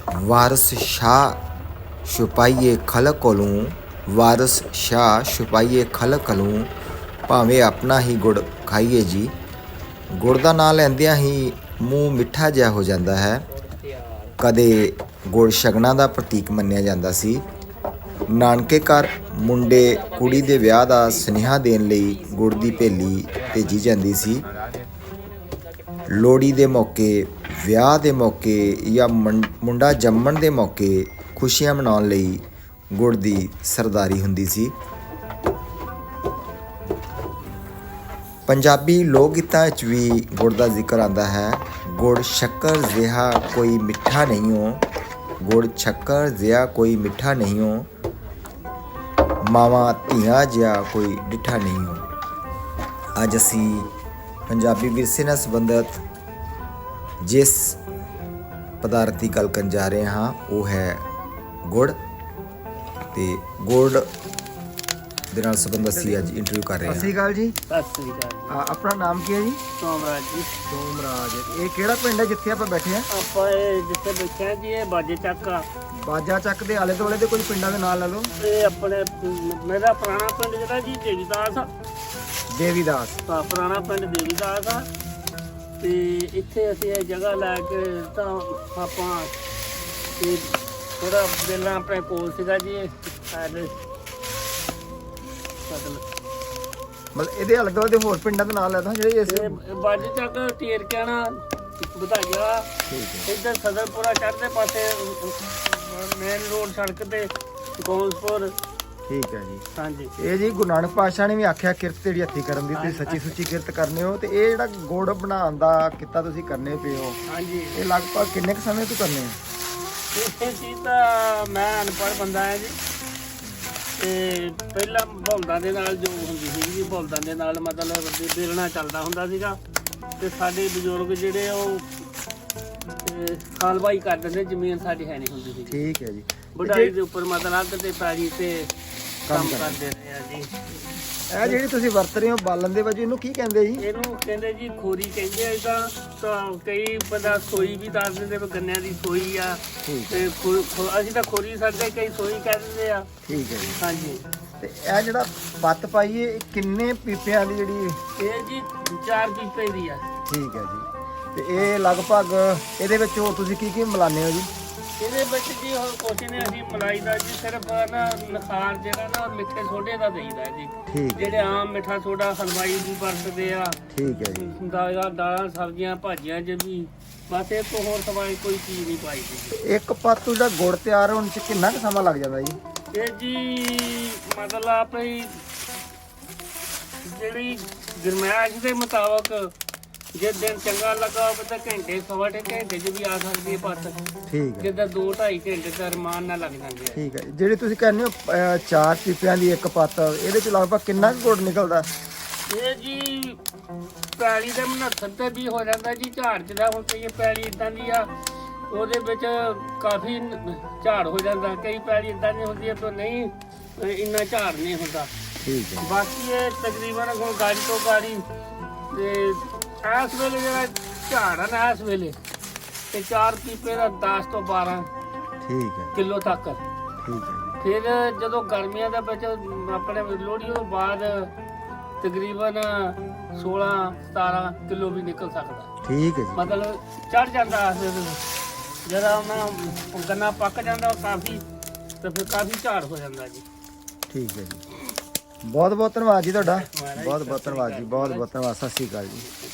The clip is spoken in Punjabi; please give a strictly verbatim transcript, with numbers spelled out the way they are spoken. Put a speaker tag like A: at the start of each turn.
A: ਵਾਰਸ ਸ਼ਾਹ ਛੁਪਾਈਏ ਖਲਕ ਕੋਲੋਂ, ਵਾਰਸ ਸ਼ਾਹ ਛੁਪਾਈਏ ਖਲਕ ਕੋਲੋਂ, ਭਾਵੇਂ ਆਪਣਾ ਹੀ ਗੁੜ ਖਾਈਏ ਜੀ। ਗੁੜ ਦਾ ਨਾਂ ਲੈਂਦਿਆਂ ਹੀ ਮੂੰਹ ਮਿੱਠਾ ਜਿਹਾ ਹੋ ਜਾਂਦਾ ਹੈ। ਕਦੇ ਗੁੜ ਸ਼ਗਨਾਂ ਦਾ ਪ੍ਰਤੀਕ ਮੰਨਿਆ ਜਾਂਦਾ ਸੀ। ਨਾਨਕੇ ਘਰ ਮੁੰਡੇ ਕੁੜੀ ਦੇ ਵਿਆਹ ਦਾ ਸੁਨੇਹਾ ਦੇਣ ਲਈ ਗੁੜ ਦੀ ਭੇਲੀ ਭੇਜੀ ਜਾਂਦੀ ਸੀ। ਲੋਹੜੀ ਦੇ ਮੌਕੇ, ਵਿਆਹ ਦੇ ਮੌਕੇ ਜਾਂ ਮੁੰਡਾ ਜੰਮਣ ਦੇ ਮੌਕੇ ਖੁਸ਼ੀਆਂ ਮਨਾਉਣ ਲਈ ਗੁੜ ਦੀ ਸਰਦਾਰੀ ਹੁੰਦੀ ਸੀ। ਪੰਜਾਬੀ ਲੋਕ ਗੀਤਾਂ ਵਿੱਚ ਵੀ ਗੁੜ ਦਾ ਜ਼ਿਕਰ ਆਉਂਦਾ ਹੈ। ਗੁੜ ਸ਼ੱਕਰ ਜਿਹਾ ਕੋਈ ਮਿੱਠਾ ਨਹੀਂ ਹੋ, ਗੁੜ ਸ਼ੱਕਰ ਜਿਹਾ ਕੋਈ ਮਿੱਠਾ ਨਹੀਂ ਹੋ, ਮਾਵਾਂ ਧੀਆਂ ਜਿਹਾ ਕੋਈ ਡਿੱਠਾ ਨਹੀਂ ਹੋ। ਅੱਜ ਅਸੀਂ ਪੰਜਾਬੀ ਵਿਰਸੇ ਨਾਲ ਸੰਬੰਧਿਤ ਜਿਸ ਪਦਾਰਥ ਦੀ ਗੱਲ ਕਰਨ ਜਾ ਰਹੇ ਹਾਂ ਉਹ ਹੈ ਗੁੜ। ਤੇ ਗੁੜ ਦੇ ਨਾਲ ਸੰਬੰਧ ਅਸੀਂ ਅੱਜ ਇੰਟਰਵਿਊ ਕਰ ਰਹੇ ਹਾਂ।
B: ਸਤਿ ਸ਼੍ਰੀ ਅਕਾਲ ਜੀ।
C: ਸਤਿ ਸ੍ਰੀ ਅਕਾਲ।
B: ਆ, ਆਪਣਾ ਨਾਮ ਕੀ ਹੈ ਜੀ?
C: ਸੋਮਰਾਜ ਜੀ।
B: ਸੋਮਰਾਜ। ਇਹ ਕਿਹੜਾ ਪਿੰਡ ਹੈ ਜਿੱਥੇ ਆਪਾਂ ਬੈਠੇ ਆ?
C: ਆਪਾਂ ਇਹ ਜਿੱਥੇ ਬੈਠੇ ਆ ਜੀ ਇਹ ਬਾਜੇ ਚੱਕ ਆ।
B: ਬਾਜਾ ਚੱਕ ਦੇ ਆਲੇ ਦੁਆਲੇ ਦੇ ਕੋਈ ਪਿੰਡਾਂ ਦੇ ਨਾਂ ਲੈ ਲਓ।
C: ਇਹ ਆਪਣੇ ਮੇਰਾ ਪੁਰਾਣਾ ਪਿੰਡ ਜਿਹੜਾ ਜੀ ਦੇਵੀਦਾਸ ਆ।
B: ਦੇਵੀਦਾਸ।
C: ਤਾਂ ਪੁਰਾਣਾ ਪਿੰਡ ਦੇਵੀਦਾਸ ਆ ਤੇ ਇੱਥੇ ਅਸੀਂ ਇਹ ਜਗ੍ਹਾ ਲੈ ਕੇ ਤਾਂ ਆਪਾਂ ਤੇ ਥੋੜਾ ਪਹਿਲਾਂ ਆਪਣੇ ਕੋਲ ਸੀਗਾ ਜੀ ਇਹ ਸਾਡੇ
B: ਮਤਲਬ ਇਹਦੇ ਆਲੇ ਦੁਆਲੇ ਦੇ ਹੋਰ ਪਿੰਡਾਂ ਦੇ ਨਾਂ ਲੈ ਦੋ ਜਿਹੜੇ ਇਸ
C: ਇਹ ਬਾਜੇ ਚੱਕ ਟੀਰ ਕਹਿਣਾ ਵਧਾਈਆ ਇੱਧਰ ਸਦਰਪੁਰਾ ਚੜ੍ਹਦੇ ਪਾਸੇ ਮੇਨ ਰੋਡ ਸੜਕ ਤੇ ਗੋਲਸਪੁਰ।
B: ਠੀਕ ਹੈ ਜੀ।
C: ਹਾਂਜੀ।
B: ਇਹ ਜੀ ਗੁਰੂ ਨਾਨਕ ਪਾਤਸ਼ਾਹ ਨੇ ਵੀ ਆਖਿਆ ਕਿਰਤ ਜਿਹੜੀ ਹੱਥੀ ਕਰਨ ਦੀ, ਤੁਸੀਂ ਸੱਚੀ ਸੁੱਚੀ ਕਿਰਤ ਕਰਨੇ ਹੋ। ਤੇ ਇਹ ਜਿਹੜਾ ਗੁੜ ਬਣਾਉਣ ਦਾ ਕਿੱਤਾ ਤੁਸੀਂ ਕਰਨੇ ਪਏ ਹੋ,
C: ਹਾਂਜੀ।
B: ਇਹ ਲਗਭਗ ਕਿੰਨੇ ਕੁ ਸਮੇਂ ਤੋਂ ਕਰਨੇ ਹੋ?
C: ਇਹ ਚੀਜ਼ ਤਾਂ ਮੈਂ ਅਨਪੜ੍ਹ ਬੰਦਾ ਹਾਂ ਜੀ ਤੇ ਪਹਿਲਾਂ ਬਲਦਾਂ ਦੇ ਨਾਲ ਜੋ ਹੁੰਦੀ ਸੀ ਜੀ, ਬਲਦਾਂ ਦੇ ਨਾਲ ਮਤਲਬ ਬੇਲਣਾ ਚੱਲਦਾ ਹੁੰਦਾ ਸੀਗਾ ਤੇ ਸਾਡੇ ਬਜ਼ੁਰਗ ਜਿਹੜੇ ਉਹ ਖਾਲਵਾਈ ਕਰ ਦਿੰਦੇ, ਜ਼ਮੀਨ ਸਾਡੀ ਹੈ ਨਹੀਂ ਹੁੰਦੀ ਸੀ।
B: ਠੀਕ ਹੈ ਜੀ।
C: ਵਢਾਈ ਦੇ ਉੱਪਰ ਮਤਲਬ ਅੱਧ ਤੇ ਪੈਲੀ ਤੇ ਕੰਮ ਕਰਦੇ ਰਹੇ ਆ ਜੀ।
B: ਇਹ ਜਿਹੜੀ ਤੁਸੀਂ ਵਰਤ ਰਹੇ ਹੋ ਬਾਲਣ ਦੇ ਵਜੋਂ, ਇਹਨੂੰ ਕੀ ਕਹਿੰਦੇ ਜੀ?
C: ਇਹਨੂੰ ਕਹਿੰਦੇ ਜੀ ਖੋਰੀ ਕਹਿੰਦੇ ਆ। ਇਹਦਾ ਤਾਂ ਕਈ ਬੰਦਾ ਸੋਈ ਵੀ ਦੱਸ ਦਿੰਦੇ ਵੀ ਗੰਨਿਆਂ ਦੀ ਸੋਈ ਆ ਤੇ ਅਸੀਂ ਤਾਂ ਖੋਰੀ ਸਕਦੇ, ਕਈ ਸੋਈ ਕਹਿ ਦਿੰਦੇ ਆ।
B: ਠੀਕ ਹੈ ਜੀ।
C: ਹਾਂਜੀ।
B: ਤੇ ਇਹ ਜਿਹੜਾ ਪੱਤ ਪਾਈਏ ਇਹ ਕਿੰਨੇ ਪੀਪਿਆਂ ਦੀ ਜਿਹੜੀ?
C: ਇਹ ਜੀ ਚਾਰ ਪੀਪੇ ਦੀ ਆ।
B: ਠੀਕ ਹੈ ਜੀ। ਤੇ ਇਹ ਲਗਭਗ ਇਹਦੇ ਵਿੱਚ ਹੋਰ ਤੁਸੀਂ ਕੀ ਕੀ ਮਿਲਾਉਂਦੇ ਹੋ ਜੀ?
C: ਇਹਦੇ ਵਿੱਚ ਜੀ ਹੁਣ ਕੁਛ ਨਹੀਂ, ਅਸੀਂ ਮਲਾਈ ਦਾ ਜੀ ਸਿਰਫ ਨਾ ਨਖਾਰ ਜਿਹੜਾ ਨਾ ਮਿੱਠੇ ਸੋਡੇ ਦਾ ਦੇਈਦਾ ਜੀ।
B: ਠੀਕ।
C: ਜਿਹੜੇ ਆਮ ਮਿੱਠਾ ਸੋਡਾ ਹਲਵਾਈ ਵੀ ਵਰਤਦੇ ਆ।
B: ਠੀਕ ਹੈ ਜੀ।
C: ਦਾਲਾਂ ਦਾਲਾਂ ਸਬਜ਼ੀਆਂ ਭਾਜੀਆਂ ਚ ਵੀ ਬਸ ਇਹ ਤੋਂ ਹੋਰ ਸਵਾਈ ਕੋਈ ਚੀਜ਼ ਨਹੀਂ ਪਾਈ ਜੀ।
B: ਇੱਕ ਪੱਤ ਦਾ ਗੁੜ ਤਿਆਰ ਹੋਣ ਚ ਕਿੰਨਾ ਕੁ ਸਮਾਂ ਲੱਗ ਜਾਂਦਾ ਜੀ?
C: ਇਹ ਜੀ ਮਤਲਬ ਆਪਣੀ ਜਿਹੜੀ ਗਰਮੈਸ਼ ਦੇ ਮੁਤਾਬਕ ਜੇ ਦਿਨ ਚੰਗਾ ਲੱਗਾ ਹੋਵੇ ਤਾਂ ਘੰਟੇ ਸਵਾ ਢਾਈ ਘੰਟੇ 'ਚ ਵੀ ਆ ਸਕਦੀ ਹੈ ਪੱਤ।
B: ਠੀਕ ਹੈ।
C: ਜਿੱਦਾਂ ਦੋ ਢਾਈ ਘੰਟੇ ਦਾ ਰਮਾਨ ਨਾਲ ਲੱਗ ਜਾਂਦੇ ਆ।
B: ਠੀਕ ਹੈ। ਜਿਹੜੀ ਤੁਸੀਂ ਕਹਿੰਦੇ ਹੋ ਅਹ, ਚਾਰ ਪੀਪਿਆਂ ਦੀ ਇੱਕ ਪੱਤ, ਇਹਦੇ ਚ ਲਗਭਗ ਕਿੰਨਾ ਕੁ ਗੁੜ ਨਿਕਲਦਾ?
C: ਇਹ ਜੀ ਪੈਲੀ ਦੇ ਉਨੱਤਰ ਤੇ ਵੀ ਹੋ ਜਾਂਦਾ ਜੀ ਝਾੜ ਜਿਹੜਾ ਹੁਣ ਕਈ ਪੈਲੀ ਇਦਾਂ ਦੀ ਆ ਉਹਦੇ ਵਿੱਚ ਕਾਫੀ ਝਾੜ ਹੋ ਜਾਂਦਾ, ਕਈ ਪੈਲੀ ਇਦਾਂ ਦੀ ਹੁੰਦੀ ਹੈ ਤਾਂ ਨਹੀਂ ਇੰਨਾ ਝਾੜ ਨਹੀਂ ਹੁੰਦਾ।
B: ਠੀਕ ਹੈ।
C: ਬਾਕੀ ਇਹ ਤਕਰੀਬਨ ਹੁਣ ਗਾੜੀ ਤੋਂ ਗਾੜੀ ਤੇ ਇਸ ਵੇਲੇ ਜਿਹੜਾ ਝਾੜ ਆ ਨਾ ਇਸ ਵੇਲੇ ਤੇ ਚਾਰ ਪੀਪੇ ਦਾ ਦਸ ਤੋਂ ਬਾਰਾਂ
B: ਠੀਕ ਹੈ।
C: ਕਿਲੋ ਤੱਕ।
B: ਠੀਕ ਹੈ।
C: ਫਿਰ ਜਦੋਂ ਗਰਮੀਆਂ ਦੇ ਵਿੱਚ ਆਪਣੇ ਲੋਹੜੀ ਤੋਂ ਬਾਅਦ ਤਕਰੀਬਨ ਸੋਲਾਂ ਸਤਾਰਾਂ ਕਿਲੋ ਵੀ ਨਿਕਲ ਸਕਦਾ।
B: ਠੀਕ ਹੈ ਜੀ।
C: ਮਤਲਬ ਚੜ ਜਾਂਦਾ ਜਦੋਂ ਉਹਨਾਂ ਗੰਨਾ ਪੱਕ ਜਾਂਦਾ ਉਹ ਕਾਫੀ ਤੇ ਫਿਰ ਕਾਫੀ ਝਾੜ ਹੋ ਜਾਂਦਾ ਜੀ।
B: ਠੀਕ ਹੈ ਜੀ। ਬਹੁਤ ਬਹੁਤ ਧੰਨਵਾਦ ਜੀ ਤੁਹਾਡਾ। ਬਹੁਤ ਬਹੁਤ ਧੰਨਵਾਦ ਜੀ। ਬਹੁਤ ਬਹੁਤ ਧੰਨਵਾਦ। ਸਤਿ ਸ਼੍ਰੀ ਅਕਾਲ ਜੀ।